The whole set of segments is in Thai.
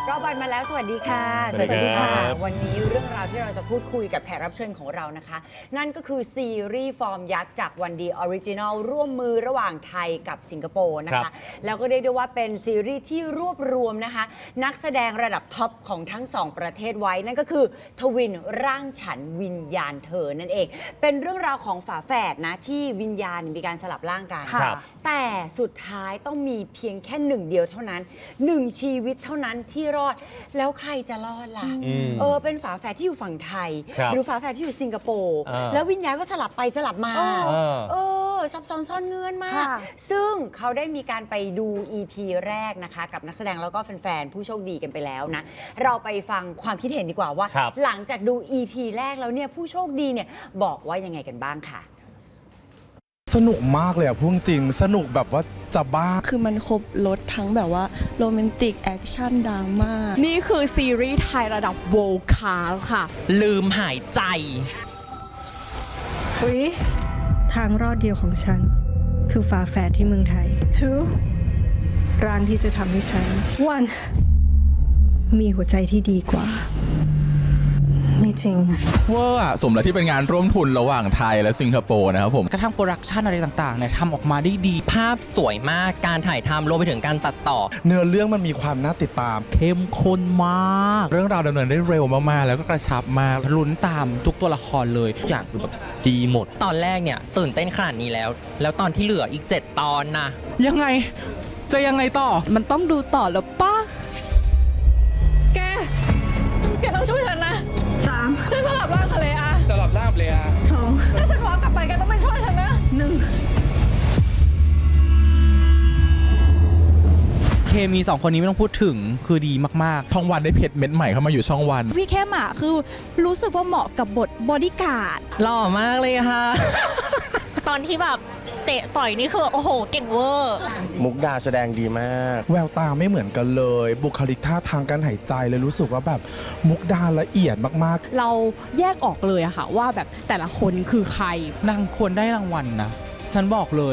รอบวันมาแล้วสวัสดีค่ะสวัสดีค่ะวันนี้เรื่องราวที่เราจะพูดคุยกับแขกรับเชิญของเรานะคะนั่นก็คือซีรีส์ฟอร์มยักษ์จากวันดีออริจินัลร่วมมือระหว่างไทยกับสิงคโปร์นะคะแล้วก็เรียกได้ว่าเป็นซีรีส์ที่รวบรวมนะคะนักแสดงระดับท็อปของทั้งสองประเทศไว้นั่นก็คือทวินร่างฉันวิญญาณเธอนั่นเองเป็นเรื่องราวของฝาแฝดนะที่วิญญาณมีการสลับร่างกันแต่สุดท้ายต้องมีเพียงแค่หนึ่งเดียวเท่านั้นหนึ่งชีวิตเท่านั้นที่รอดแล้วใครจะรอดล่ะเป็นฝาแฝดที่อยู่ฝั่งไทยหรือฝาแฝดที่อยู่สิงคโปร์แล้ววิญญาณก็สลับไปสลับมาซับซ้อนซ่อนเงื่อนมากซึ่งเขาได้มีการไปดู EP แรกนะคะกับนักแสดงแล้วก็แฟนๆผู้โชคดีกันไปแล้วนะเราไปฟังความคิดเห็นดีกว่าว่าหลังจากดู EP แรกแล้วเนี่ยผู้โชคดีเนี่ยบอกว่ายังไงกันบ้างค่ะสนุกมากเลยอะพูดจริงสนุกแบบว่าจะบ้าคือมันครบรสทั้งแบบว่าโรแมนติกแอคชั่นดราม่านี่คือซีรีส์ไทยระดับ World Class ค่ะลืมหายใจทางรอดเดียวของฉันคือฝาแฝดที่เมืองไทย Two ร่างที่จะทำให้ฉัน One มีหัวใจที่ดีกว่าไม่จริงนะเวอร์อะสมแล้วที่เป็นงานร่วมทุนระหว่างไทยและสิงคโปร์นะครับผมกระทั่งโปรดักชันอะไรต่างๆเนี่ยทำออกมาได้ดีภาพสวยมากการถ่ายทำรวมไปถึงการตัดต่อเนื้อเรื่องมันมีความน่าติดตามเข้มข้นมากเรื่องราวดำเนินได้เร็วมากๆแล้วก็กระชับมากลุ้นตามทุกตัวละครเลยทุกอย่างคือแบบดีหมดตอนแรกเนี่ยตื่นเต้นขนาดนี้แล้วตอนที่เหลืออีก7ตอนนะยังไงจะยังไงต่อมันต้องดูต่อแล้วป้าแกต้องช่วยฉันนะ3ฉันสลับร่างทะเลอาสลับร่างเลยอะ 2ถ้าฉันวาร์ปกลับไปแกต้องไปช่วยฉันนะเคมี2คนนี้ไม่ต้องพูดถึงคือดีมากๆช่องวันได้เพชรเม็ดใหม่เข้ามาอยู่ช่องวันพี่เข้มอ่ะคือรู้สึกว่าเหมาะกับบทบอดี้การ์ดหล่อมากเลยค่ะตอนที่แบบเตะต่อยนี่คือโอ้โหเก่งเวอร์มุกดาแสดงดีมากแววตาไม่เหมือนกันเลยบุคลิกท่าทางการหายใจเลยรู้สึกว่าแบบมุกดาละเอียดมากๆเราแยกออกเลยอะค่ะว่าแบบแต่ละคนคือใครนางควรได้รางวัลนะฉันบอกเลย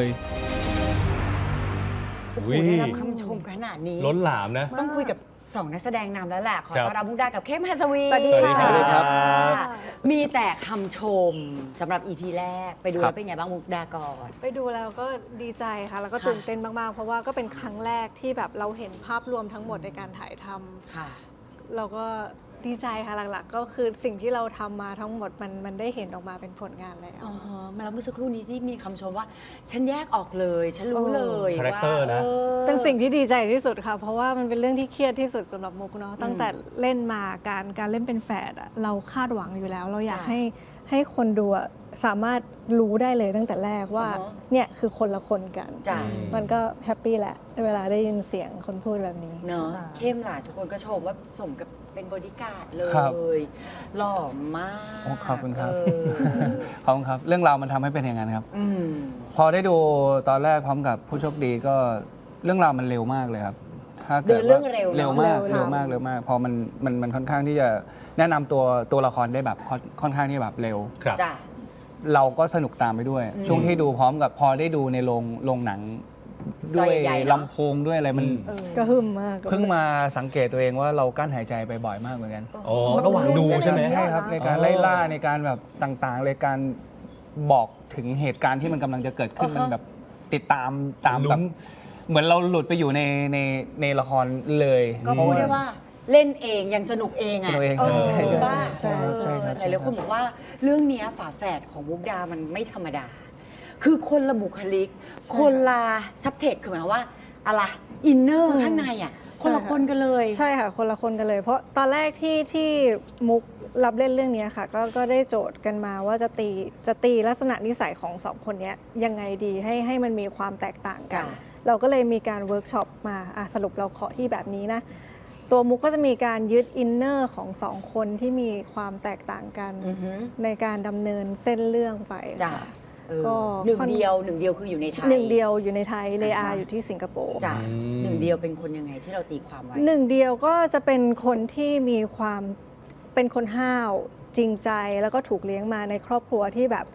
โอ้โหได้รับคำชมขนาดนี้ล้นหลามนะต้องคุยกับ2นักแสดงนำแล้วแหละขอต้อนรับมุกดากับเข้มหัสวีสวัสดีครับมีแต่คำชมสำหรับ EP แรกไปดูแล้วเป็นไงบ้างมุกดาก่อนไปดูแล้วก็ดีใจค่ะแล้วก็ตื่นเต้นมากๆเพราะว่าก็เป็นครั้งแรกที่แบบเราเห็นภาพรวมทั้งหมดในการถ่ายทำเราก็ดีใจค่ะหลักๆก็คือสิ่งที่เราทำมาทั้งหมดมันได้เห็นออกมาเป็นผลงานแล้วมาแล้วเมื่อสักครู่นี้ที่มีคำชมว่าฉันแยกออกเลยฉันรู้เลยว่าเป็นสิ่งที่ดีใจที่สุดค่ะเพราะว่ามันเป็นเรื่องที่เครียดที่สุดสำหรับมุกเนาะตั้งแต่เล่นมาการเล่นเป็นแฝดเราคาดหวังอยู่แล้วเราอยากให้คนดูสามารถรู้ได้เลยตั้งแต่แรกว่าเนี่ยคือคนละคนกันมันก็แฮปปี้แหละเวลาได้ยินเสียงคนพูดแบบนี้เนาะเข้มหล่ะทุกคนก็ชมว่าสมกับเป็นบอดี้การ์ดเลยหล่อมากขอบคุณครับขอบคุณครับเรื่องราวมันทำให้เป็นอย่างนั้นครับพอได้ดูตอนแรกพร้อมกับผู้โชคดีก็เรื่องราวมันเร็วมากเลยครับถ้าเกิดเรื่องเร็วมากพอมันค่อนข้างที่จะแนะนำตัวละครได้แบบค่อนข้างที่แบบเร็วเราก็สนุกตามไปด้วยช่วงที่ดูพร้อมกับพอได้ดูในโรงหนังด้วยลำโพงด้วยอะไรมันก็หึมมากเพิ่งมาสังเกตตัวเองว่าเรากั้นหายใจไปบ่อยมากเหมือนกันระหว่างดูใช่ไหมใช่ครับในการไล่ล่าในการแบบต่างๆเลยการบอกถึงเหตุการณ์ที่มันกำลังจะเกิดขึ้นมันแบบติดตามแบบเหมือนเราหลุดไปอยู่ในละครเลยก็พูดได้ว่าเล่นเองยังสนุกเองอ่ะใช่หลายคนบอกว่าเรื่องนี้ฝาแฝดของมุกดามันไม่ธรรมดาคือคนละบุคลิกคนละซับเทคคือหมายความว่าอะไรอินเนอร์ข้างในอ่ะคนละคนกันเลยใช่ค่ะคนละคนกันเลยเพราะตอนแรกที่มุกรับเล่นเรื่องนี้ค่ะก็ได้โจทย์กันมาว่าจะตีลักษณะนิสัยของ2คนนี้ยังไงดีให้มันมีความแตกต่างกันเราก็เลยมีการเวิร์กช็อปมาสรุปเราขอที่แบบนี้นะตัวมุกก็จะมีการยึดอินเนอร์ของ2คนที่มีความแตกต่างกันในการดำเนินเส้นเรื่องไปก็หนึ่งเดียวคืออยู่ในไทยหนึ่งเดียวอยู่ในไทยเลอาอยู่ที่สิงคโปร์หนึ่งเดียวเป็นคนยังไงที่เราตีความไว้หนึ่งเดียวก็จะเป็นคนที่มีความเป็นคนห้าวจริงใจแล้วก็ถูกเลี้ยงมาในครอบครัวที่แบบ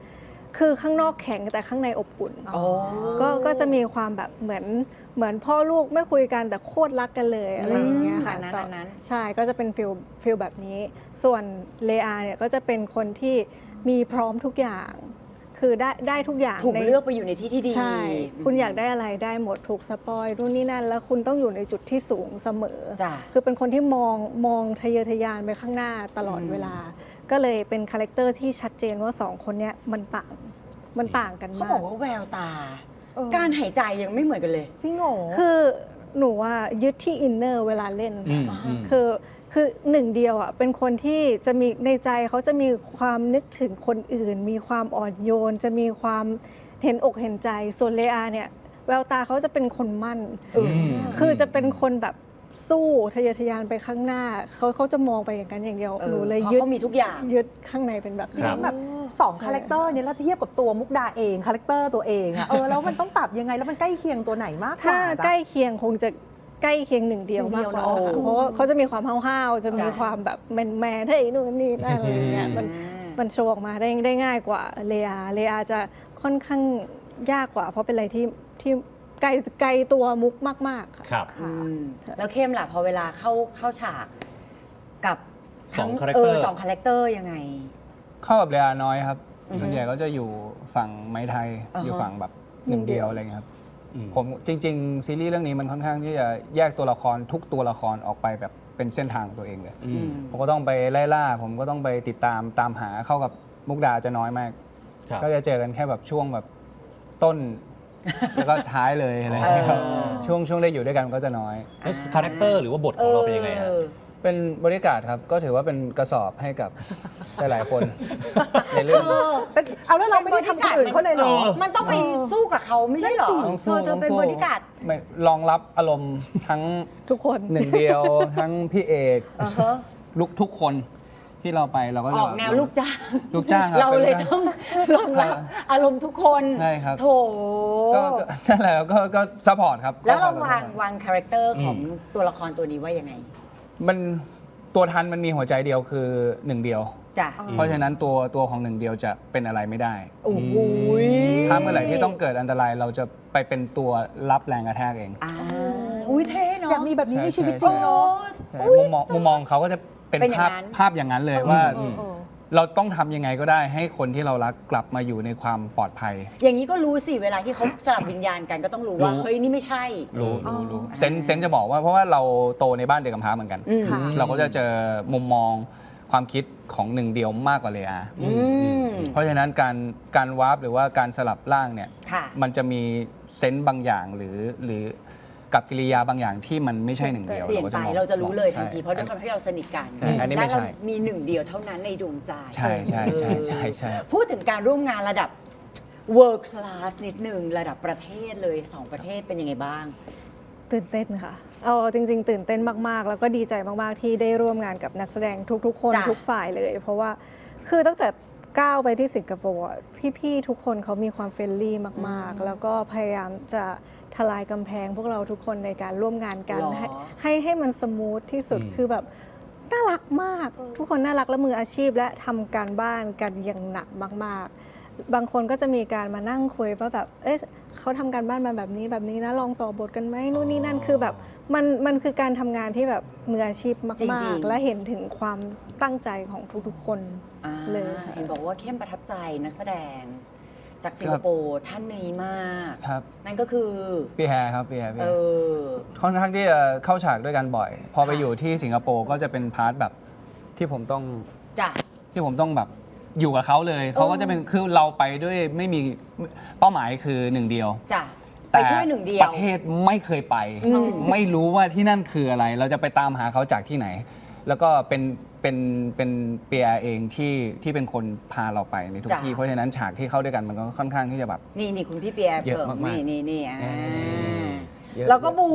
คือข้างนอกแข็งแต่ข้างในอบอุ่น ก็จะมีความแบบเหมือนพ่อลูกไม่คุยกันแต่โคตรรักกันเลยอะไรอย่างเงี้ยค่ะอันนั้นใช่ก็จะเป็นฟิลแบบนี้ ส่วนเลอาเนี่ยก็จะเป็นคนที่มีพร้อมทุกอย่าง คือได้ทุกอย่างถูกเลือกไปอยู่ในที่ที่ดีใช่คุณอยากได้อะไรได้หมดถูกสปอยนู่นนี่นั่นแล้วคุณต้องอยู่ในจุดที่สูงเสมอจ้ะคือเป็นคนที่มองทะเยอทะยานไปข้างหน้าตลอดเวลา ก็เลยเป็นคาแรคเตอร์ที่ชัดเจนว่าสองคนเนี้ยมันต่างกันเขามากบอกว่าแววตา การหายใจยังไม่เหมือนกันเลยจริงเหรอคือหนูว่ายึดที่อินเนอร์เวลาเล่น คือหนึ่งเดียวอ่ะเป็นคนที่จะมีในใจเขาจะมีความนึกถึงคนอื่น มีความอ่อนโยน จะมีความเห็นอกเห็นใจส่วนเลอาเนี่ยแววตาเขาจะเป็นคนมั่นคือจะเป็นคนแบบสู้ทะเยอทะยานไปข้างหน้าเขาจะมองไปอย่างนั้นอย่างเดียวหนูเลยเพราะยึดเขามีทุกอย่างยึดข้างในเป็นแบบทีนี้นี้แบบ2คาแรคเตอร์นี้แล้วเทียบกับตัวมุกดาเองคาแรคเตอร์ตัวเองอะแล้วมันต้องปรับยังไงแล้วมันใกล้เคียงตัวไหนมากกถ้าว่าจ๊ะใกล้เคียงคงจะใกล้เคียงหนึ่งเดียวมากกว่าหนึ่งเดียวเนอะค่ะเพราะว่าเขาจะมีความห้าวๆจะมีความแบบแมนๆเฮ้ยนู่นนี่นั่นอะไรอย่างเงี้ยมันโชว์ออกมาได้ง่ายกว่าเลอาจะค่อนข้างยากกว่า เพราะเป็นอะไรที่ไกลตัวมุกมากๆค่ะครับแล้วเข้มล่ะพอเวลาเข้าฉากกับสองคาแรคเตอร์สองคาแรคเตอร์ยังไงเข้ากับเรียน้อยครับ ส่วนใหญ่ก็จะอยู่ฝั่งไม้ไทย อยู่ฝั่งแบบหนึ่งเดียวอะไรเงี้ยครับ ผมจริง ๆ ซีรีส์เรื่องนี้มันค่อนข้างที่จะแยกตัวละครทุกตัวละครออกไปแบบเป็นเส้นทางของตัวเองเลยผมก็ต้องไปไล่ล่า ผมก็ต้องไปติดตามหาเข้ากับมุกดาจะน้อยมากครับก็จะเจอกันแค่แบบช่วงแบบต้น แล้วก็ท้ายเลยอะไรเงี้ยครับช่วงได้อยู่ด้วยกันก็จะน้อยคาแรคเตอร์หรือว่าบทของเราเป็นยังไงฮะเป็นบริการดครับ ก็ถือว่าเป็นกระสอบให้กับ หลายๆคน ในเรื่องเอาแล้วเราไม่ได้ทำคนอื่นเขาเลยเหรอมันต้องไปสู้กับเขาไม่ใช่เหรอต้องสู้เธอเป็นบริการดไม่รองรับอารมณ์ทั้งทุกคนหนึ่งเดียว ทั้งพี่เอกลุกทุกคนที่เราไปเราก็จะออกแนวลูกจ้างลูกจ้างครับเราเลยป็นต้องรองรับอารมณ์ทุกคนใช่ครับโถก็นั่นแหละก็ซัพพอร์ตครับแล้วเราก็วางคาแรคเตอร์ของตัวละครตัวนี้ว่ายังไงมันตัวทันมันมีหัวใจเดียวคือหนึ่งเดียวจ้ะเพราะฉะนั้นตัวของหนึ่งเดียวจะเป็นอะไรไม่ได้โอ้โหถ้าเมื่อไหร่ที่ต้องเกิดอันตรายเราจะไปเป็นตัวรับแรงกระแทกเองอุ้ยเท่เนาะอยากมีแบบนี้ในชีวิตจริงเนาะใช่มุมมองเขาก็จะเป็นเป็นอย่างนั้นภาพอย่างนั้นเลยว่าเราต้องทำยังไงก็ได้ให้คนที่เรารักกลับมาอยู่ในความปลอดภัยอย่างนี้ก็รู้สิเวลาที่เขาสลับวิญญาณกันก็ต้องรู้ว่ารู้เฮ้ยนี่ไม่ใช่รู้เซนจะบอกว่าเพราะว่าเราโตในบ้านเด็กกำพร้าเหมือนกันค่ะเราก็จะเจอมุมมองความคิดของหนึ่งเดียวมากกว่าเลอา เพราะฉะนั้นการวาร์ปหรือว่าการสลับร่างเนี่ยค่ะมันจะมีเซนส์บางอย่างหรือกับกิริยาบางอย่างที่มันไม่ใช่หนึ่งเดียวเปลี่ยนไปมองเราจะรู้เลยทันทีใช่เพราะด้วยความที่เราสนิทกันใช่อันนี้และไม่ใช่เรามีหนึ่งเดียวเท่านั้นในดวงใจใช่ใช่ใช่ใช่ใช่พูดถึงการร่วมงานระดับ world class นิดหนึ่งระดับประเทศเลยสองประเทศเป็นยังไงบ้างตื่นเต้นค่ะเอาจริง ๆ ตื่นเต้นมากๆ แล้วก็ดีใจมากๆ ที่ได้ร่วมงานกับนักแสดงทุกๆ คนจ้ะทุกฝ่ายเลย เพราะว่าคือตั้งแต่ก้าวไปที่สิงคโปร์อะพี่ๆทุกคนเขามีความเฟรนลี่มากๆ แล้วก็พยายามจะทลายกำแพงพวกเราทุกคนในการร่วมงานกันหรอให้มันสมูทที่สุดคือแบบน่ารักมาก ทุกคนน่ารักและมืออาชีพและทำการบ้านกันอย่างหนักมากๆ บางคนก็จะมีการมานั่งคุยว่าแบบเอ๊ะเขาทำการบ้านมาแบบนี้นะลองต่อบทกันไหมนู่นนี่นั่นคือแบบมันคือการทำงานที่แบบมืออาชีพจริมากงๆๆ และเห็นถึงความตั้งใจของทุกๆ คนอ่าเลยค่ะเห็นบอกว่าเข้มประทับใจนักแสดง จากสิงคโปร์ท่านนี้มากครับนั่นก็คือพี่แฮร์ครับพี่แฮร์เออค่อนข้างที่จะเข้าฉากด้วยกันบ่อย พอไปอยู่ที่สิงคโปร์ก็จะเป็นพาร์ทแบบที่ผมต้องจ้ะแบบอยู่กับเขาเลยเขาก็จะเป็นคือเราไปด้วยไม่มีเป้าหมายคือหนึ่งเดียวจ้ะ ไปช่วยหนึ่งเดียวประเทศไม่เคยไป ไม่รู้ว่าที่นั่นคืออะไร เราจะไปตามหาเขาจากที่ไหน แล้วก็เป็นเปียเองที่เป็นคนพาเราไปในทุกจ้ะที่เพราะฉะนั้นฉากที่เข้าด้วยกันมันก็ค่อนข้างที่จะแบบนี่คุณพี่เปียเยอะเพิ่มมากๆนี่เยอะเราก็บู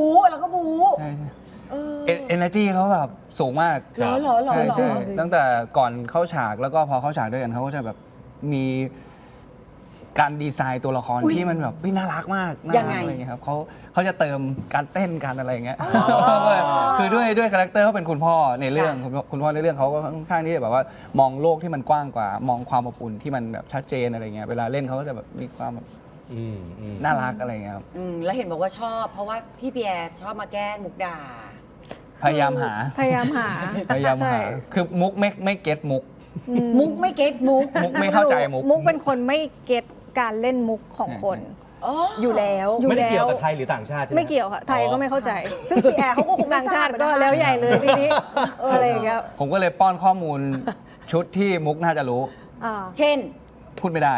ใช่ใช่เออเอเนอร์จีเขาแบบสูงมากเหรอใช่ใช่ตั้งแต่ก่อนเข้าฉากแล้วก็พอเข้าฉากด้วยกันเขาก็จะแบบมีการดีไซน์ตัวละครที่มันแบบน่ารักมากน่ายังรัไงกอะไรเงี้ยครับเขาจะเติมการเต้นการอะไรอย่างเงี้ยคือด้วยคาแรคเตอร์เขาเป็นคุณพ่อในเรื่องคุณพ่อในเรื่องเขาก็ค่อนข้างที่จะแบบว่ามองโลกที่มันกว้างกว่ามองความอบอุ่นที่มันแบบชัดเจนอะไรเงี้ยเวลาเล่นเขาก็จะแบบมีความแบบน่ารักอะไรเงี้ยครับแล้วเห็นบอกว่าชอบ เพราะว่าพี่เปียชอบมาแกล้งมุกดาพยายามหาพยายามหา ใช่คือมุกไม่เก็ตมุกมุกไม่เก็ตมุกมุกไม่เข้าใจมุกมุกเป็นคนไม่เก็ตการเล่นมุกของคนอยู่แล้วไม่ได้เกี่ยวกับไทยหรือต่างชาติใช่ไหมไม่เกี่ยวค่ะ ไทยก็ไม่เข้าใจซึ่งพี่แอร์เขาก็คงไม่ต่างทชาราบตินะก็คะแล้วใหญ่เลยทีนี้อะไรอย่างเงี้ยผมก็เลยป้อนข้อมูลชุดที่มุกน่าจะรู้อ่าเช่นพูดไม่ได้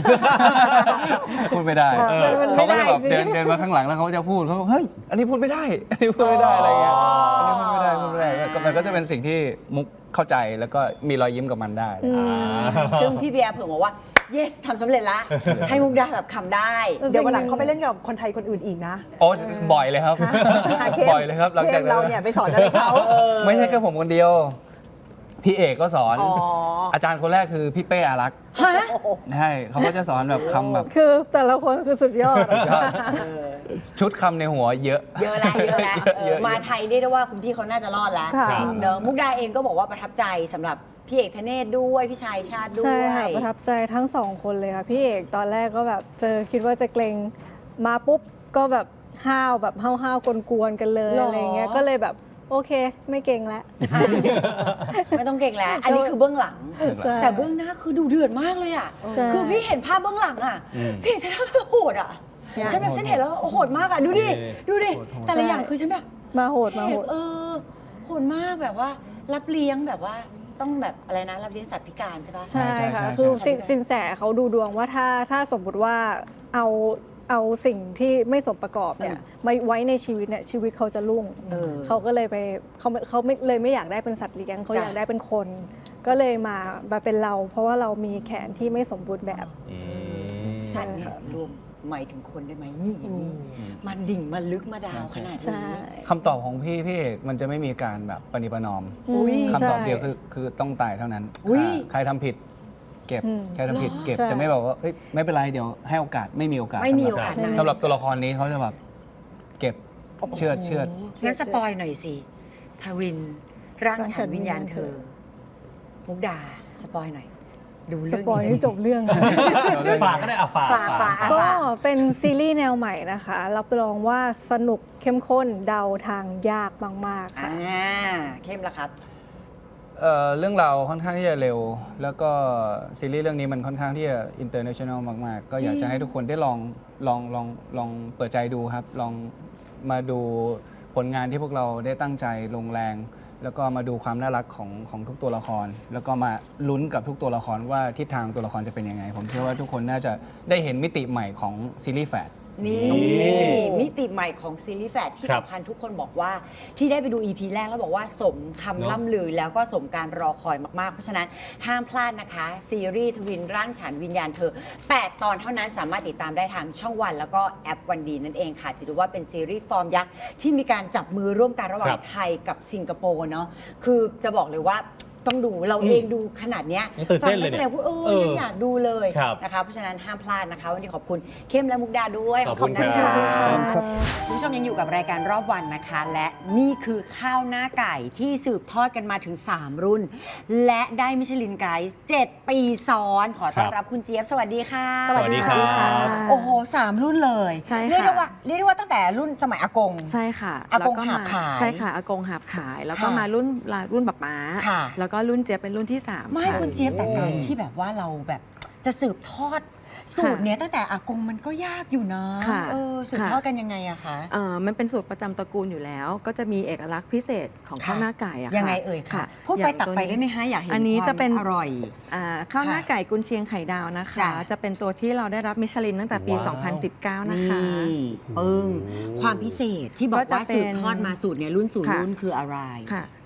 พูดไม่ได้มันเขาไม่ก็ได้จะแบบจริงเดินมาข้างหลังแล้วเขาจะพูดเขาบอกเฮ้ยอันนี้พูดไม่ได้อันนี้พูดไม่ได้อะไรเงี้ยอันนี้พูดไม่ได้ก็มันก็จะเป็นสิ่งที่มุกเข้าใจแล้วก็มีรอยยิ้มกับมันได้ซึ่งพี่เปียเผื่อบอกว่า yes ทำสำเร็จละ ให้มุกดาแบบคำได้เดี๋ยววันหลังเขาไปเล่นกับคนไทยคนอื่นอีกนะโอ้บ่อยเลยครับเข้มบ่อยเลยครับหลังจากเข้มเราเนี่ยไปสอนอะไรเขาไม่ใช่แค่ผมคนเดียว พี่เอกก็สอนอ๋ออาจารย์คนแรกคือพี่เป้อารักษ์ฮะใช่เขาก็จะสอนแบบคำแบบคือแต่ละคนคือสุดยอดชุดคำในหัวเยอะเยอะแล้วเยอะแล้วเยอะมาไทยเรียกได้ว่าคุณพี่เขาน่าจะรอดแล้วค่ะเนอะมุกดาเองก็บอกว่าประทับใจสำหรับพี่เอกธเนศด้วยพี่ชายชาติด้วใช่ยค่ะประทับใจทั้งสองคนเลยค่ะพี่เอกตอนแรกก็แบบคิดว่าจะเกรงมาปุ๊บก็แบบห้าวแบบห้าวกวนๆกันเลยหรอออะไรเงี้ยก็เลยแบบโอเคไม่เกรงแล้วไม่ต้องเก่งแล้ว อันนี้คือเบื้องหลังใช่แต่เบื้องหน้าคือดูเดือดมากเลยอ่ะใช่คือพี่เห็นภาพเบื้องหลังอ่ะ พี่เอกธเนศโหดอ่ะ ฉันแบบฉันเห็นแล้วโหดมากอ่ะ ดูดิ ดูดิ แต่ละอย่างคือฉันแบบมาโหดมาโหดโหดมากแบบว่ารับเลี้ยงแบบว่าต้องแบบอะไรนะรับเลี้ยงสัตว์พิการใช่ปะใช่ใช่ค่ะใช่คือใช่สินแสเขาดูดวงว่าถ้าสมมติว่าเอาสิ่งที่ไม่สมประกอบเนี่ยมาไว้ในชีวิตเนี่ยชีวิตเขาจะรุ่ง เขาก็เลยไปเขาไม่เลยไม่อยากได้เป็นสัตว์เลี้ยงเขาอยากได้เป็นคน ก็เลยมาเป็นเรา เพราะว่าเรามีแขนที่ไม่สมบูรณ์แบบสัตว์เนี่ยรวมหมายถึงคนได้ไหมนี่อย่างนี้มันดิ่งมาลึกมาดาวขนาดใช่นี้คำตอบของพี่เอกมันจะไม่มีการแบบปณิประนอมอุ๊ยคำตอบใช่เดียวคือต้องตายเท่านั้นอุ๊ยใครทำผิด เก็บอืมใครทำผิดเก็บใช่จะไม่บอกว่าเฮ้ยไม่เป็นไรเดี๋ยวให้โอกาสไม่มีโอกาสไม่มีโอกาสนั้นสำหรับตัวละครนี้เขาจะแบบเก็บเชือดงั้นสปอยหน่อยสิทวินร่างฉันวิญญาณเธอ มุกดาสปอยหน่อย ดูสเรื่องปอยนี้ให้จบเรื่องค่ะฝากก็ได้ฝากฝากก็เป็นซีรีส์แนวใหม่นะคะ รับรองว่าสนุกเข้มข้นเดาทางยากมากๆค่ะเข้มละครับเรื่องราวค่อนข้างที่จะเร็ว แล้วก็ซีรีส์เรื่องนี้มันค่อนข้างที่จะอินเตอร์เนชั่นแนลมาก ๆ ก็อยากจะให้ทุกคนได้ลองเปิดใจดูครับ ลองมาดูผลงานที่พวกเราได้ตั้งใจลงแรง แล้วก็มาดูความน่ารักของทุกตัวละคร แล้วก็มาลุ้นกับทุกตัวละครว่าทิศทางตัวละครจะเป็นยังไง ผมเชื่อว่าทุกคนน่าจะได้เห็นมิติใหม่ของซีรีส์แฝดนี่มิติใหม่ของซีรีส์แฝดที่ครับสำคัญทุกคนบอกว่าที่ได้ไปดู EP แรกแล้วบอกว่าสมคำล่ำลือแล้วก็สมการรอคอยมากๆ เพราะฉะนั้นห้ามพลาดนะคะ ซีรีส์ทวินร่างฉันวิญญาณเธอ 8 ตอนเท่านั้นสามารถติดตามได้ทางช่องวันแล้วก็แอปวันดีนั่นเองค่ะถือว่าเป็นซีรีส์ฟอร์มยักษ์ที่มีการจับมือร่วมกันระหว่าคงรับไทยกับสิงคโปร์เนาะคือจะบอกเลยว่าต้องดูเราเองดูขนาดเนี้ยยังตื่นเต้นเลยฟังนักแสดงพูดเนี่ยยังอยากดูเลยครับนะคะเพราะฉะนั้นห้ามพลาดนะคะวันนี้ขอบคุณเข้มและมุกดาด้วยขอบคุณนะครัคะบคุณผู้ชมยังอยู่กับรายการรอบวันนะคะ และนี่คือข้าวหน้าไก่ที่สืบทอดกันมาถึง 3 รุ่น และได้มิชลินไกด์7 ปีซ้อน ขอต้อนรับคุณเจี๊ยบสวัสดีค่ะสวัสดีครับโอ้โห 3 รุ่นเลยใช่ค่ะเรียกได้ว่าตั้งแต่รุ่นสมัยอากงใช่ค่ะอากงแล้วหาบขายใช่ค่ะอากงหาบขาย แล้วก็ค่ะมารุ่นบักม้าค่ะแล้วก็รุ่นเจี๊ยบเป็นรุ่นที่3 ไม่คุณเจี๊ยบแต่การที่แบบว่าเราแบบจะสืบทอดสูตรเนี้ยตั้งแต่อากงมันก็ยากอยู่นะค่ะสืบทอดกันยังไงอะคะมันเป็นสูตรประจำตระกูลอยู่แล้ว ก็จะมีเอกลักษณ์พิเศษของข้าวหน้าไก่อะค่ะยังไงเอ่ยค่ะ พูดไปอย่างตักไปตัวนี้ได้ไหมคะอยากเห็นอันนี้ความจะเป็นอร่อยข้าวหน้าไก่กุนเชียงไข่ดาวนะคะจ้ะจะเป็นตัวที่เราได้รับมิชลินตั้งแต่ปีว้าว 2019 นะคะปึ้งความพิเศษที่บอกก็จะว่าเป็นสืบทอดมาสูตรเนี่ยรุ่นสู่ค่ะรุ่นคืออะไรค่ะ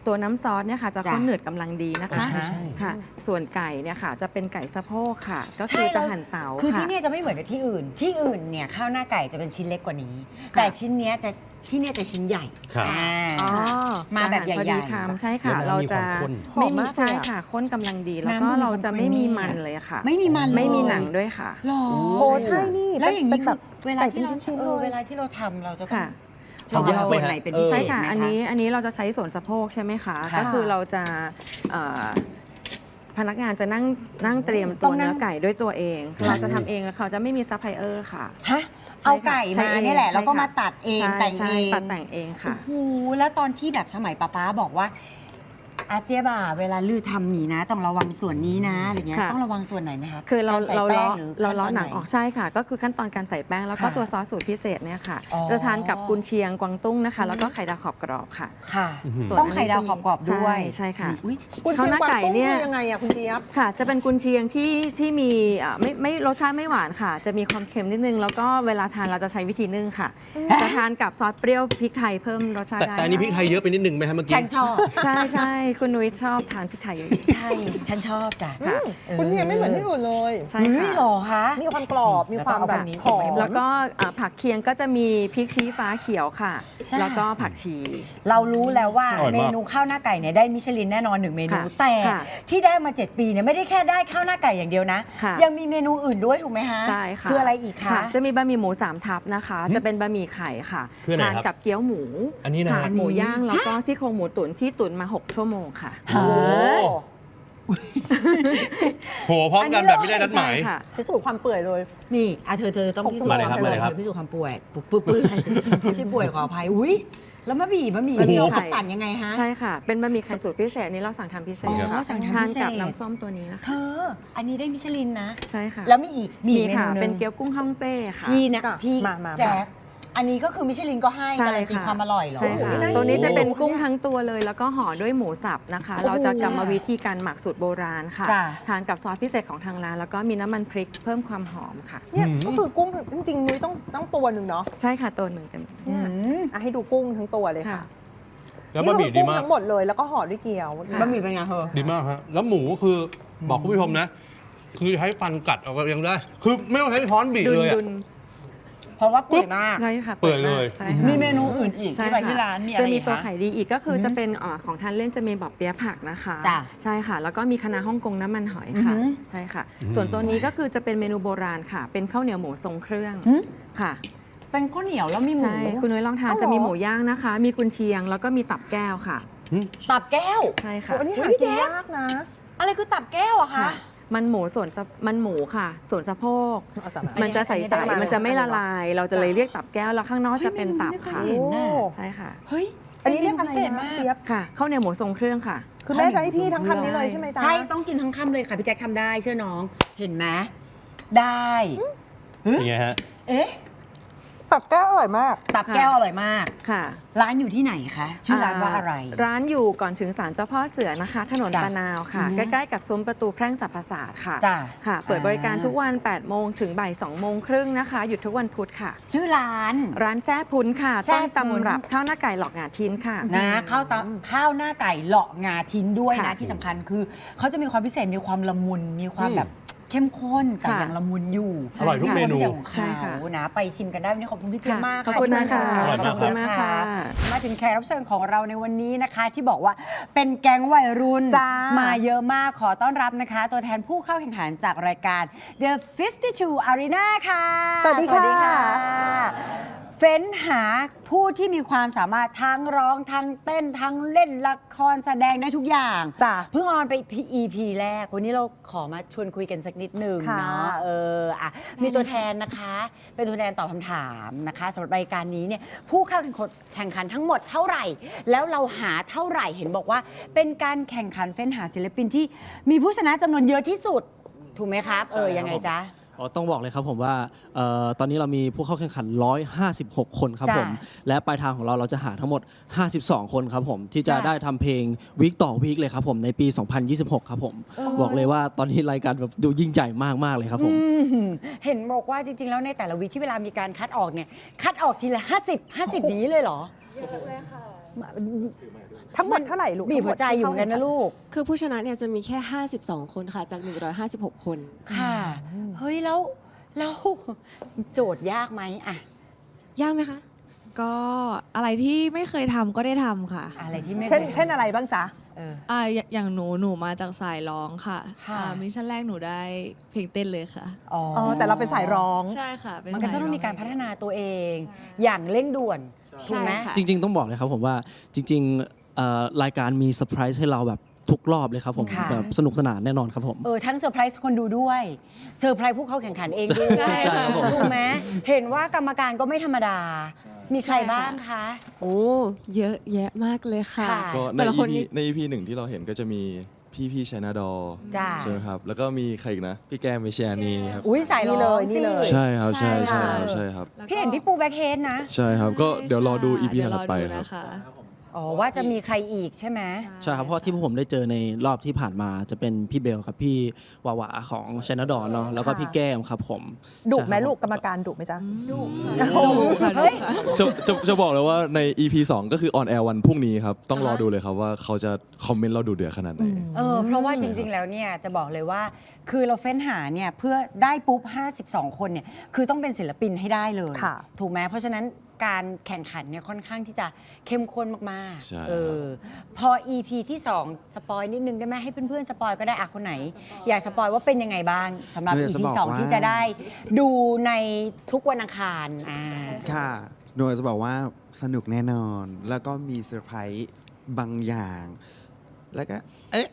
ตัวน้ำซอสเนี่ยค่ะจะจ้ะข้นหนืดกำลังดีนะคะใช่ใช่ค่ะ ส่วนไก่เนี่ยค่ะจะเป็นไก่สะโพกค่ะ ก็ใช่คือจะแล้วหั่นเต๋าคือค่ะที่เนี่ยจะไม่เหมือนกับที่อื่น ที่อื่นเนี่ยข้าวหน้าไก่จะเป็นชิ้นเล็กกว่านี้ แต่ชิ้นเนี้ยจะที่เนี่ยจะชิ้นใหญ่ครับอ่าอ๋อมาแบบจะหั่นพอใหญ่ดีๆคำใช่ค่ะแล้วน้ำเรามีจะความข้นไม่หอมมีมากเลยใช่อะค่ะข้นกำลังดี แล้วน้ำก็มันมีเราจะความไม่มี creamy มันอะเลยค่ะไม่มีมันเลยไม่มีหนังด้วยค่ะหรอโอ้ใช่นี่แล้วอย่างนี้เป็นแบบเวลาไก่ที่เป็นเราชิ้นๆเลยเวลาที่เราทำเราจะต้องค่ะระวังทำยากไหมส่วนไหนเป็นพิเศใช่ษค่ะไหมอันคะนี้เราจะใช้ส่วนสะโพกใช่ไหมคะค่ะก็คือเราจะเอ่อพนักงานจะนั่งเตรียมต้ตัอวงนั่เนื้งอไก่ด้วยตัวเอง เราจะทำเองแล้วเขาจะไม่มีซัพพลายเออร์ค่ะฮะเอาไก่ใช่มาค่ะเนี่ยแหละใช่แล้วก็ค่ะมาตัดเองใช่แต่งใช่เองตัดแต่งเองค่ะโอ้โหแล้วตอนที่แบบสมัยป้าบอกว่าอาเจี๊ยบเวลาลือทำหนีนะ ต้องระวังส่วนนี้นะอะไรเงี้ยค่ะต้องระวังส่วนไหนไหมคะคือเรากใส่เราแป้ล้องหรือเราล้อขั้ตหนังออกใช่ค่ะ ก็คือขั้นตอนการใส่แป้งแล้วก็ค่ะตัวซอสสูตรพิเศษเนี่ยค่ะอ๋อจะทานกับกุนเชียงกวางตุ้งนะคะ แล้วก็ไข่ดาวขอบกรอบค่ะค่ะส่วนต้องไข่ดาวขอบกรอบด้วยใช่ค่ะอุ๊ยคุณเชียงข้าวหน้ากวางไก่ตุ้งเนี่ยคือยังไงอะคุณเจี๊ยบค่ะ จะเป็นกุนเชียงที่มีไม่รสชาติไม่หวานค่ะ จะมีความเค็มนิดนึง แล้วก็เวลาทานเราจะใช้วิธีนึ่งค่ะ จะทานกับซอสเปรี้ยวพริกไทยเพิ่มรสชาติได้แต่อันนี้พริกไทยเยอะไปนิดนึงไหมครับเมื่อกี้ฉันชอบใช่ใช่คุณนุ้ยชอบทานพริกไทยเยอะใช่ ฉันชอบจ้ะค่ะคุณเชียงไม่เหมือนที่อื่นเลยใช่เฮ้ยค่ะหรอคะมีความกรอบ มีความแบบหอมแล้วก็ผักเคียงก็จะมีพริกชี้ฟ้าเขียวค่ะจ้าแล้วก็ผักชีเรารู้แล้วว่าอร่อยมากเมนูข้าวหน้าไก่เนี่ยได้มิชลินแน่นอน1เมนูค่ะแต่ค่ะที่ได้มา 7 ปีเนี่ยไม่ได้แค่ได้ข้าวหน้าไก่อย่างเดียวนะค่ะยังมีเมนูอื่นด้วยถูกไหมคะใช่ค่ะคืออะไรอีกคะจะมีบะหมี่หมู3 ทับนะคะ จะเป็นบะหมี่ไข่ค่ะคืออะไรทานครับกับเกี๊ยวหมูอันนี้นะค่ะหมูย่างแล้วก็ซี่โครงหมูตุ๋นที่ตุ๋นมา6 ชั่วโมงค่ะฮะโหพร้อมกันแบบไม่ได้นัดหมายใช่ค่ะพิสูจน์ความเปื่อยเลยนี่เธอต้องพิสูจน์มาเลยครับมาเลยครับพิสูจน์ความป่วยเปื่อยไม่ใช่ป่วยขออภัยอุ้ยแล้วบะหมี่บะหมี่เราไข่คัดสรรยังไงฮะใช่ค่ะ เป็นบะหมี่ไข่สูตรพิเศษนี้เราสั่งทำพิเศษอ๋อค่ะสั่งทำทานพิเศษกับน้ำส้มตัวนี้นะเธคะออันนี้ได้มิชลินนะใช่ค่ะแล้วมีอีกเมค่ะนูหนึเป็นงเกี๊ยวกุ้งฮ่องเต้ค่ะพี่นะค่ะพี่มาแจ็คอันนี้ก็คือมิชลินก็ให้ใช่การันตีค่ะความอร่อยเหรอใช่ค่ะโอ้โหนี่น่าตัวนี้จะเป็นโอ้โหกุ้งทั้งตัวเลย แล้วก็ห่อด้วยหมูสับนะคะ เราจะกรรมวิธีการหมักสูตรโบราณค่ะจ้ะทานกับซอสพิเศษของทางร้าน แล้วก็มีน้ำมันพริกเพิ่มความหอมค่ะเนี่ยก็คือกุ้งจริงๆนุ้ยต้องตัวหนึ่งเนาะใช่ค่ะตัวหนึ่งเต็มเนี่ยอืมอ่ะให้ดูกุ้งทั้งตัวเลยค่ะค่ะแล้วบะหมี่ดีนี่คือกุ้งมากทั้งหมดเลยแล้วก็ห่อด้วยเกี๊ยวค่ะบะหมี่เป็นไงเธอดีมากฮะแล้วหมูคือบอกคุณผู้ชมนะ คือใช้ฟันกัดเอาก็ยังได้ คือไม่ต้องใช้ช้อนบีบดุนเลยอะดุนเพราะว่าเปื่อยมากใช่ค่ะเปื่อยเลยใช่ค่ะมีเมนูอื่นอีกใช่ที่ไปค่ะที่ร้านมีอะไรจะมีอีกตัวคะไข่ดีอีกก็คือจะเป็นของทานเล่นจะมีบอบเปี๊ยะผักนะคะจ้ะใช่ค่ะ แล้วก็มีคะน้าฮ่องกงน้ำมันหอยค่ะอือหือใช่ค่ะ ส่วนตัวนี้ก็คือจะเป็นเมนูโบราณค่ะ เป็นข้าวเหนียวหมูทรงเครื่องหืมค่ะเป็นข้าวเหนียวแล้วมีหมูใช่คุณนุ้ยลองทานอ้าวเหรอจะมีหมูย่างนะคะ มีกุนเชียง แล้วก็มีตับแก้วค่ะตับแก้วใช่ค่ะโอ้อันนี้หาพี่กินแจ๊คยากนะอะไรคือตับแก้วอะคะค่ะ มันหมูมันหมูค่ะ ส่วนสะโพกเอาจากมันจะใสอันนี้ได้ๆมามันจะไม่ละลาย เราจะเลยเรียกตับแก้ว แล้วข้างนอกจะเป็นตับค่ะเฮ้ยเมนูไม่เคยเห็นน่ะใช่ค่ะเฮ้ยอันนี้เรียกอะไรพิเศษนะมากเจี๊ยบค่ะข้าวเหนียวหมูทรงเครื่องค่ะคือแม่จะให้พี่ทั้งคำนี้เลยใช่ไหมจ๊ะใช่ต้องกินทั้งคำเลยค่ะพี่แจ็คทำได้เชื่อน้อง เห็นไหมได้อย่างเงี้ยฮะเอ๊ะตับแก้วอร่อยมากตับแก้วอร่อยมากค่ะร้านอยู่ที่ไหนคะชื่อร้านว่าอะไรร้านอยู่ก่อนถึงศาลเจ้าพ่อเสือนะคะ ถนนจ้ะตะนาวค่ะอือฮึใกล้ๆกับซุ้มประตูแพร่งสรรพศาสตร์ค่ะจ้ะค่ะ เปิดบริการอ่าทุกวัน 8 โมงถึงบ่าย 2 โมงครึ่งนะคะ หยุดทุกวันพุธค่ะชื่อร้านร้านแซ่พุ้นค่ะแซ่ต้นพุ้นตำรับข้าวหน้าไก่หลอกหงาทิ้นค่ะนะข้าวหน้าไก่เลาะงาทิ้นด้วยนะค่ะที่สำคัญคือเขาจะมีความพิเศษมีความละมุนมีความแบบเข้มข้นแต่ค่ะยังละมุนอยู่อร่อยทุกเมนูควาพิศษของใช่ค่ะเขานะไปชิมกันได้วันนี้ขอบคุณพี่เจี๊ยบมากขอบคุณที่นะคะอร่อยมากขอบคุณมากค่ะมาถึงแขกรับเชิญของเราในวันนี้นะคะ ที่บอกว่าเป็นแก๊งวัยรุ่นจ้ามมาเยอะมากขอต้อนรับนะคะ ตัวแทนผู้เข้าแข่งขันจากรายการ The 52 Arena ค่ะสวัสดีค่ะเฟ้นหาผู้ที่มีความสามารถทั้งร้องทั้งเต้นทั้งเล่นละครแสดงได้ทุกอย่างจ้ะเพิ่งออนไป EP แรก วันนี้เราขอมาชวนคุยกันสักนิดหนึ่งค่ะเนาะมีตัวแทนนะคะ เป็นตัวแทนตอบคำถามนะคะสำหรับรายการนี้เนี่ยผู้เข้าแข่งขันทั้งหมดเท่าไหร่ แล้วเราหาเท่าไหร่เห็นบอกว่า เป็นการแข่งขันเฟ้นหาศิลปินที่มีผู้ชนะจำนวนเยอะที่สุด ถูกไหมครับ ยังไงจ๊ะต้องบอกเลยครับผมว่าตอนนี้เรามีผู้เข้าแข่งขัน 156 คนครับจ้ะผม และปลายทางของเราจะหาทั้งหมด 52 คนครับผม ที่จะจ้ะได้ทำเพลงวีคต่อวีคเลยครับผมในปี 2026 ครับผม บอกเลยว่าตอนนี้รายการแบบดูยิ่งใหญ่มากๆเลยครับผมเห็นบอกว่าจริงๆ แล้วในแต่ละวีคที่เวลามีการคัดออกเนี่ยคัดออกทีละ50 นี้เลยเหรอเยอะเลยค่ะทั้งหมดเท่าไหร่ลูกบีบหัวใจอยู่เหมือนกันนะลูกคือผู้ชนะเนี่ยจะมีแค่ 52 คนค่ะ จาก 156 คนค่ะ เฮ้ยแล้วโจทย์ยากไหมอะยากไหมคะก็อะไรที่ไม่เคยทำก็ได้ทำค่ะอะไรที่ไม่เช่นอะไรบ้างจ๊ะอย่างหนูมาจากสายร้องค่ะค่ะมิชชั่นแรกหนูได้เพลงเต้นเลยค่ะอ๋อแต่เราเป็นสายร้องใช่ค่ะเป็นมันก็สายต้องมีการร้พัฒนาตัวเอง อย่างเร่งด่วนถูกไหมค่ะจริง ๆ ต้องบอกเลยครับผมว่าจริงๆรายการมีเซอร์ไพรส์ให้เราแบบทุกรอบเลยครับผมค่ะแบบสนุกสนานแน่นอนครับผมทั้งเซอร์ไพรส์คนดูด้วยเซอร์ไพรส์ผู้เข้าแข่งขันเองด้วยใช่ครับผมถูกไหมเห็นว่ากรรมการก็ไม่ธรรมดา มีใครบ้างคะโอ้ เยอะแยะมากเลยค่ะค่ะก็ในแต่ละคน EP นี่ใน EP หนึ่งที่เราเห็นก็จะมีพี่ชัยนาดอจ้าใช่ไหมครับ แล้วก็มีใครอีกนะพี่แก้มวิเชียานีครับอุ้ยสายร้องนี่เลยใช่ครับใช่ใช่ค่ะใช่ครับพี่เห็นพี่ปูแบ็คเฮดนะใช่ครับ ก็เดี๋ยวรอดู EP เดี๋ยวถัดไปดูครับนะคะอ๋อว่าจะมีใครอีกใช่ไหมใช่ครับเพราะที่พวกผมได้เจอในรอบที่ผ่านมาจะเป็นพี่เบลครับพี่วาวาของชนดอนเนาะแล้วก็พี่แก้มครับผมดุไหมใช่ครับลูกกรรมการดุไหมจ๊ะดูค่ะดูค่ะจะบอกเลยว่าใน EP 2 ก็คือออนแอร์วันพรุ่งนี้ครับ ต้องรอดูเลยครับว่าเขาจะคอมเมนต์เราดูเดือดขนาดไหนเพราะว่าจริงๆ แล้วเนี่ยจะบอกเลยว่า คือเราเฟ้นหาเนี่ยเพื่อได้ปุ๊บ 52 คนเนี่ยคือต้องเป็นศิลปินให้ได้เลยค่ะถูกไหมเพราะฉะนั้นการแข่งขันเนี่ยค่อนข้างที่จะเข้มข้นมากใช่พอ EP ที่ 2 สปอยนิดนึงได้ไหมให้เพื่อนๆ สปอยก็ได้คนไหน อยากสปอยว่าเป็นยังไงบ้างสำหรับอยาก EP จะบอกว่า 2 ที่จะได้ดูในทุกวันอังคารค่ะโดยจะบอกว่าสนุกแน่นอน แล้วก็มีเซอร์ไพรส์บางอย่าง แล้วก็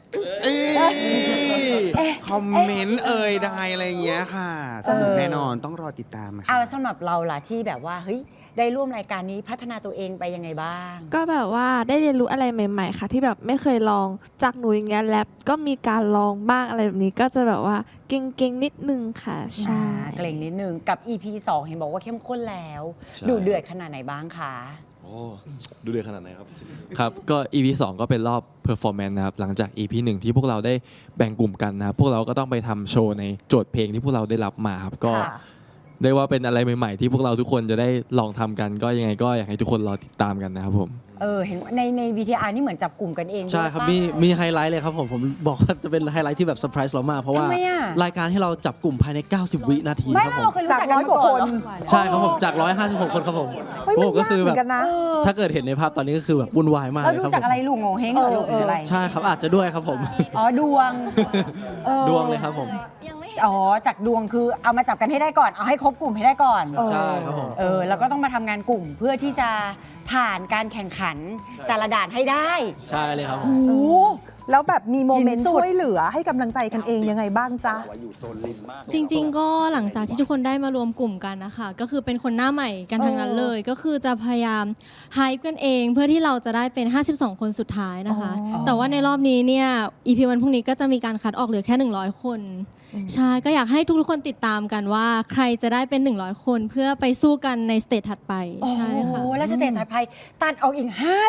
คอมเมนต์ใดอะไรอย่างเงี้ยค่ะ สนุกแน่นอนต้องรอติดตามค่ะแล้วสำหรับเราล่ะที่แบบว่าเฮ้ยได้ร่วมรายการนี้พัฒนาตัวเองไปยังไงบ้างก็แบบว่าได้เรียนรู้อะไรใหม่ ๆ ค่ะ ที่แบบไม่เคยลองจากหนูอย่างเงี้ยแรปก็มีการลองบ้างอะไรแบบนี้ก็จะแบบว่าเก่งๆนิดนึงค่ะใช่เกรงนิดนึงกับ EP 2 เห็นบอกว่าเข้มข้นแล้วใช่ดูเดือดขนาดไหนบ้างคะโอ้ดูเดือดขนาดไหนครับครับ ก็ EP 2 ก็เป็นรอบ performance นะครับ หลังจาก EP 1 ที่พวกเราได้แบ่งกลุ่มกันนะครับ พวกเราก็ต้องไปทำโชว์ในโจทย์เพลงที่พวกเราได้รับมาครับ ก็ได้ว่าเป็นอะไรใหม่ๆ ที่พวกเราทุกคนจะได้ลองทำกัน ก็ยังไงก็อยากให้ทุกคนรอติดตามกันนะครับผมเห็นว่าใน VTR นี่เหมือนจับกลุ่มกันเองด้วยใช่ครับปะมีไฮไลท์เลยครับผมบอกว่าจะเป็นไฮไลท์ที่แบบเซอร์ไพรส์เรามาก เพราะว่าทำไมอะรายการให้เราจับกลุ่มภายใน 90 วินาทีไม่ครับแล้วผมเราเคยรู้จักกันมาก่อนเหรอใช่ครับผมจาก 156 คนครับผมเฮ้ยมันผมก็คือแบบยากเหมือนกันนะถ้าเกิดเห็นในภาพตอนนี้ก็คือแบบวุ่นวายมากแล้วเลยดูครับจากอะไรลูกโง่เฮงเหรอลูกหรืออะไรใช่ครับอาจจะด้วยครับผมอ๋อดวงดวงเลยครับผมจากดวงคือเอามาจับกันให้ได้ก่อนเอาให้ครบกลุ่มให้ได้ก่อนใช่ครับผมแล้วก็ต้องมาทำงานกลุ่มเพื่อที่จะผ่านการแข่งขันแต่ละด่านให้ได้ใช่เลยครับผมโอ้โหแล้วแบบมีโมเมนต์หินสุดช่วยเหลือให้กำลังใจกันเองยังไงบ้างจ๊ะจริงๆ ก็หลังจากที่ทุกคนได้มารวมกลุ่มกันนะคะก็คือเป็นคนหน้าใหม่กันทั้งนั้นเลย ก็คือจะพยายามไฮป์กันเองเพื่อที่เราจะได้เป็น 52 คนสุดท้ายนะคะ แต่ว่าในรอบนี้เนี่ย EP วันพรุ่งนี้ก็จะมีการคัดออกเหลือแค่ 100 คนใช่ก็อยากให้ทุกคนติดตามกันว่าใครจะได้เป็น 100 คนเพื่อไปสู้กันในสเตจถัดไปใช่ค่ะโอ้แล้วสเตจถัดไปตัดออกอีก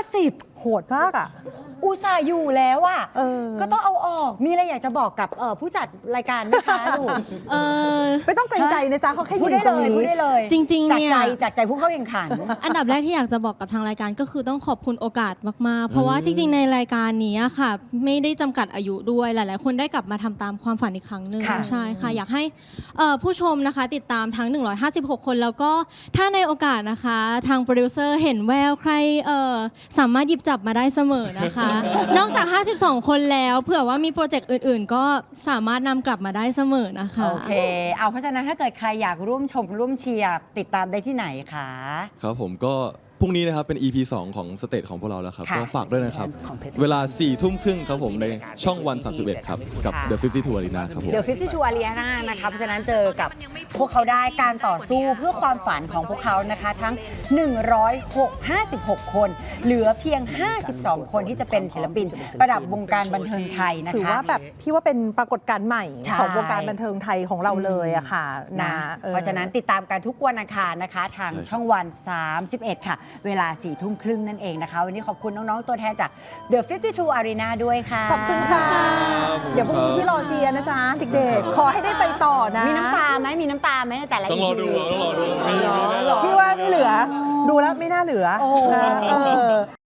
50 โหดมากอ่ะอุตส่าห์อยู่แล้วอ่ะก็ต้องเอาออกมีอะไรอยากจะบอกกับผู้จัดรายการไหมคะลูกไม่ต้องเกรงใจนะจ๊ะเขาแค่พูยืดนได้ตรงเลยนี้พูดได้เลยจริงๆเนี่ยจากใจผู้เข้าแข่งขันอันดับแรกที่อยากจะบอกกับทางรายการก็คือต้องขอบคุณโอกาสมากๆ เพราะว่าจริงๆ ในรายการนี้ค่ะ ไม่ได้จำกัดอายุด้วยหลายๆ คนได้กลับมาทำตามความฝันอีกครั้งหนึ่งค่ะใช่ค่ะ อยากให้ผู้ชมนะคะติดตามทั้ง 156 คนแล้วก็ถ้าในโอกาสนะคะทางโปรดิวเซอร์เห็นแววใครสามารถหยิบจับมาได้เสมอนะคะ นอกจาก 52 คนแล้วเผื่อว่ามีโปรเจกต์อื่นๆ ก็สามารถนำกลับมาได้เสมอนะคะโอเคเพราะฉะนั้นถ้าเกิดใครอยากร่วมชมร่วมเชียร์ติดตามได้ที่ไหนคะครับผมก็พรุ่งนี้นะครับเป็น EP 2 ของสเตจของพวกเราแล้วครับค่ะก็ฝากด้วยนะครับ เวลา 4 ทุ่มครึ่งครับผมในช่องวัน 31 ครับ กับ The 52 Arena ครับผมเดี๋ยว52 Arena นะคะเพราะฉะนั้นเจอกับพวกเขาได้การต่อสู้เพื่อความฝันของพวกเขานะคะ ทั้ง 56 คน เหลือเพียง 52 คนที่จะเป็นศิลปินระดับวงการบันเทิงไทยนะคะถือว่าแบบพี่ว่าเป็นปรากฏการณ์ใหม่ใช่ของวงการบันเทิงไทยของเราเลยอะค่ะนะ เพราะฉะนั้นติดตามกันทุกวันอังคารนะคะ ทางช่องวัน 31 ค่ะ เวลา 4 ทุ่มครึ่งนั่นเองนะคะ วันนี้ขอบคุณน้อง ๆ ตัวแทนจาก The 52 Arena ด้วยค่ะขอบคุณค่ะ เดี๋ยวพรุ่งนี้พี่รอเชียร์นะจ๊ะเด็กๆ ขอให้ได้ไปต่อนะมีน้ำตาไหมมีน้ำตาไหมในแต่ละต้องรอดู EP ต้องรอดูพี่ว่าไม่เหลือ ดูแล้วไม่น่าเหลือนะ